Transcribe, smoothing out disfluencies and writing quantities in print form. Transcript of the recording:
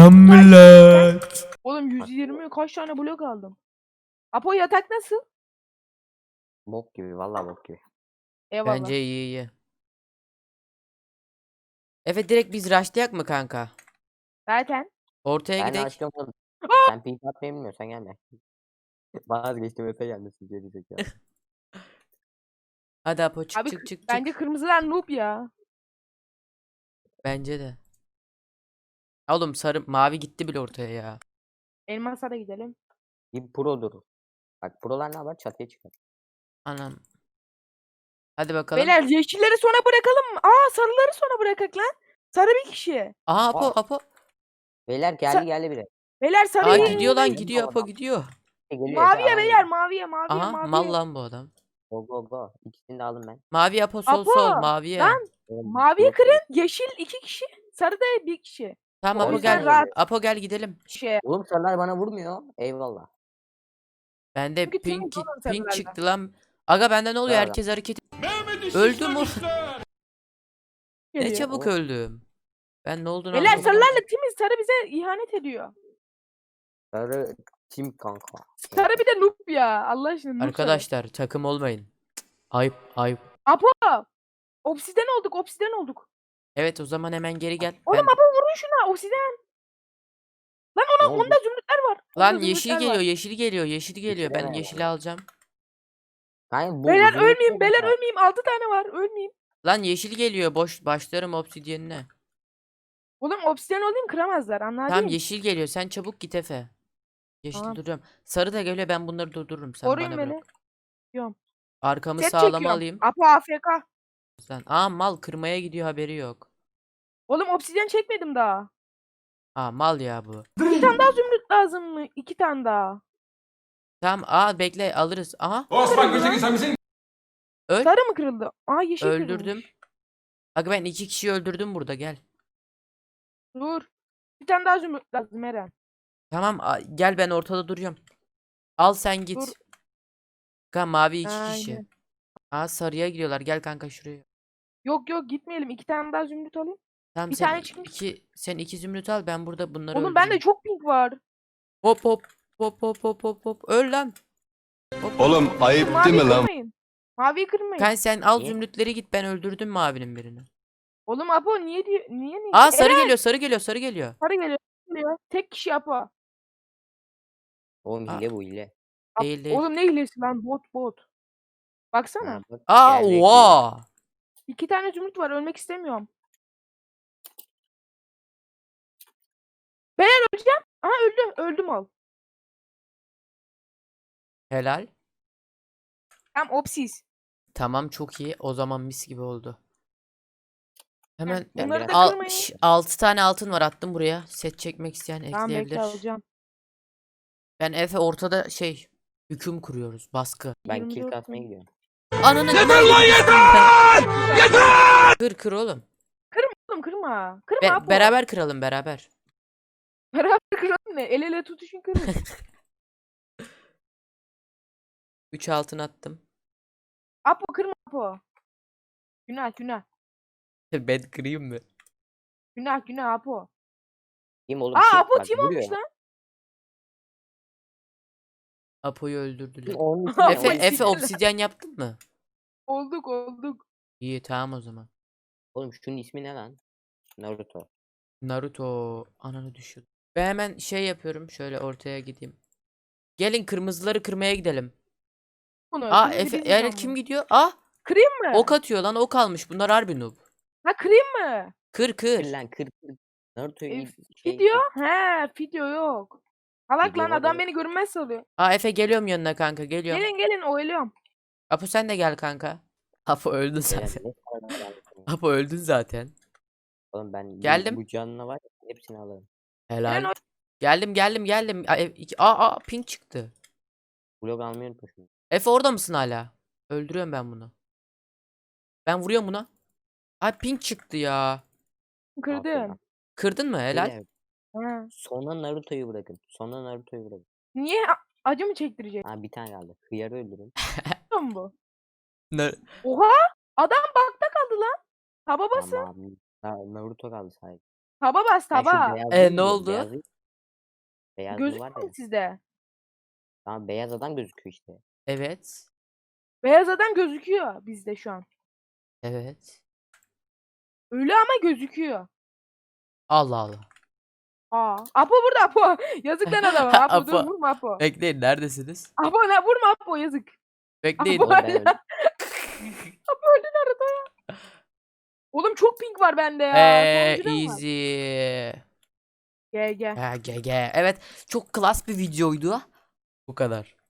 Selam millet. Oğlum 120 kaç tane blok aldım. Apo yatak nasıl? Bok gibi vallahi bok gibi. Eyvallah. Bence iyi. Evet, direkt biz rushlayak mı kanka? Zaten. Ortaya Ben gidek. açıyorum. Sen pink atmayı bilmiyorsan gelme. Vazgeçtim öte gelmesin gelecek ya. Hadi Apo çık Abi çık çık bence çık. kırmızılar noob ya. Bence de. Oğlum sarı mavi gitti bile ortaya ya. Elmas'a da gidelim. Bir produr. Bak prolar ne yapar? Çatıya çıkar. Anam. Hadi bakalım. Beyler yeşilleri sona bırakalım mı? Aa sarıları sona bırakak lan. Sarı bir kişi. Aha Apo Aa. Apo. Beyler geldi biri. Beyler Aa sarıyı gidiyor lan Gidiyor gidiyor Apo adam. gidiyor. Geliyor maviye Efe, beyler maviye Aha mal maviye. lan bu adam. Go go go. İkisini de aldım ben. Mavi Apo sol Apo, sol maviye. lan. Oğlum, Maviye yok, kırın, yeşil 2 kişi, sarı da 1 kişi. Tamam O Apo yüzden gel. rahat Apo gel gidelim. şey. Oğlum sarılar bana vurmuyor. Eyvallah. Bende Çünkü temiz pink oğlum pink sarılarla. çıktı lan. Aga bende ne oluyor? Bravo. Herkes hareket. Öldüm mü? Ne Geliyor. çabuk Oğlum. öldüm. Ben ne olduğunu Beyler anlamadım. sarılarla temiz, sarı bize ihanet ediyor. Sarı tim kanka. Sarı bir de noob ya. Allah aşkına noob sarı. Arkadaşlar takım olmayın. Cık, ayıp ayıp. Apo! Obsiden olduk. Evet o zaman hemen geri gel. Oğlum Ben... Apo vurun şuna obsiden. Lan Ne oldu? onda zümrütler var. Lan Onda yeşil zümrütler geliyor, var. yeşil geliyor, yeşil geliyor. Ben Bitiremem yeşili ya. alacağım. Kanka, bu Beyler zümrüt ölmeyeyim, yok beyler ya. ölmeyeyim. 6 tane var, ölmeyeyim. Lan yeşil geliyor. Boş başlarım obsidyenine. Oğlum obsiden olayım kıramazlar anladın Tamam mı? yeşil geliyor. Sen çabuk git Efe. Yeşil Tamam. duruyorum. Sarı da geliyor. Ben bunları durdururum. Sen Koruyun bana beni. bırak. Diyorum. Arkamı Set sağlama çekiyorum. alayım. Apo AFK. Sen. Aa mal kırmaya gidiyor haberi yok. Oğlum obsidyen çekmedim daha. Aa mal ya bu. 2 tane daha zümrüt lazım mı? 2 tane daha. Tamam bekle alırız. Aha Osman Gültekin sen misin? öl. Sarı mı kırıldı? Aa yeşil Öldürdüm. kırılmış. Aga ben 2 kişiyi öldürdüm burada gel. Dur. Bir tane daha zümrüt lazım Eren. Tamam gel ben ortada duruyorum. Al sen git. Dur. Kanka mavi 2 Aynen. kişi. Aa sarıya gidiyorlar. Gel kanka şuraya. Yok gitmeyelim. 2 tane daha zümrüt alayım. Tamam Bir sen tane çıkmış. sen iki zümrüt al ben burada bunları Oğlum bende öldüreyim. çok pink var. Hop hop hop hop hop hop hop. Öl lan. Hop. Oğlum ayıp değil Maviyi mi lan? kırmayın. Maviyi kırmayın. Kanka sen al Niye? zümrütleri git ben öldürdüm mavinin birini. Oğlum Apo niye diyor? Niye? Aa sarı Eren geliyor sarı geliyor sarı geliyor. sarı geliyor. Tek kişi Apo. Oğlum Aa. hile bu hile. Değil değil. Oğlum ne hilesi lan bot. Baksana. Ha, bak, Aa gelecek diyor. oha. 2 tane zümrüt var ölmek istemiyorum. Beyler öleceğim. Aha öldüm ol. Helal. Tam opsiz. Tamam çok iyi. O zaman mis gibi oldu. Hemen Ben Bunları da biraz- kırmayın. 6 tane altın var attım buraya. Set çekmek isteyen Tamam bekle ekleyebilir. alacağım. Ben Efe ortada hüküm kuruyoruz. Baskı. Ben 24 kill kasmaya tane. gidiyorum. Ananı Yeter lan yeter! Yeter! Kır oğlum. Oğlum kırma. Kırma Apo. Beraber kıralım beraber. Beraber kıralım ne? El ele tutuşun kırın. 3 altın attım. Apo kırma Apo. Günah. Ben kırayım mı? Günah Apo. Kim oğlum? Aa kim? Apo Bak, tim vuruyor. olmuş lan. Apo'yu öldürdüler. Kim onun için Apo Efe siktir Efe lan. obsidyen yaptın mı? Olduk. İyi tamam o zaman. Oğlum şunun ismi ne lan? Naruto. Naruto ananı düşür. Ben hemen yapıyorum. Şöyle ortaya gideyim. Gelin kırmızıları kırmaya gidelim. Bunu Aa kırmızı Efe biz yani yapalım. kim gidiyor? Ah Kırayım mı? ok atıyor lan ok almış. Bunlar harbi noob. Ha kırayım mı? Kır Kır kır. lan kır. Naruto'yu E, iyi Video? He video yok. Salak Video lan var adam ya. beni görünmez sanıyor. Aa Efe geliyorum yanına kanka geliyorum. Gelin oyluyorum. Apo sen de gel kanka. Apo öldün Beyler, zaten. ne kadar var ya. Apo öldün zaten. Oğlum ben Geldim. bu canına var ya, hepsini alırım. Helal. o- Geldim. Aa pink çıktı. Blok almayı unutma şunu. Efe orada mısın hala? Öldürüyorum ben bunu. Ben vuruyorum buna. Ay pink çıktı ya. Kırdım. Kırdın mı? Helal. Beyler, Ha. sonra Naruto'yu bırakın. Sonra Naruto'yu bırakın. Niye acı mı çektirecek? Ha bir tane kaldı. Hıyarı öldürün. Biliyor bu? Ne? Oha! Adam bakta kaldı lan. Taba basın. Tamam. Naruto kaldı sadece. Taba bas Ben şu taba. beyazlığı Ne biliyorum, oldu? Beyazlığı var Gözükmüyor ya. mu sizde? Tamam beyaz adam gözüküyor işte. Evet. Beyaz adam gözüküyor bizde şu an. Evet. Ölü ama gözüküyor. Allah Allah. Apo burada Apo. Yazık lan adama. Apo dur Apo. vurma Apo. Bekleyin, neredesiniz? Apo ne vurma Apo yazık. Bekleyin. Apo Oğlum ben öldüm. Apo öldü nerede ya? Oğlum çok pink var bende ya. Sonuncuda mı var? Easy. GG. GG. Evet. Çok klas bir videoydu. Bu kadar.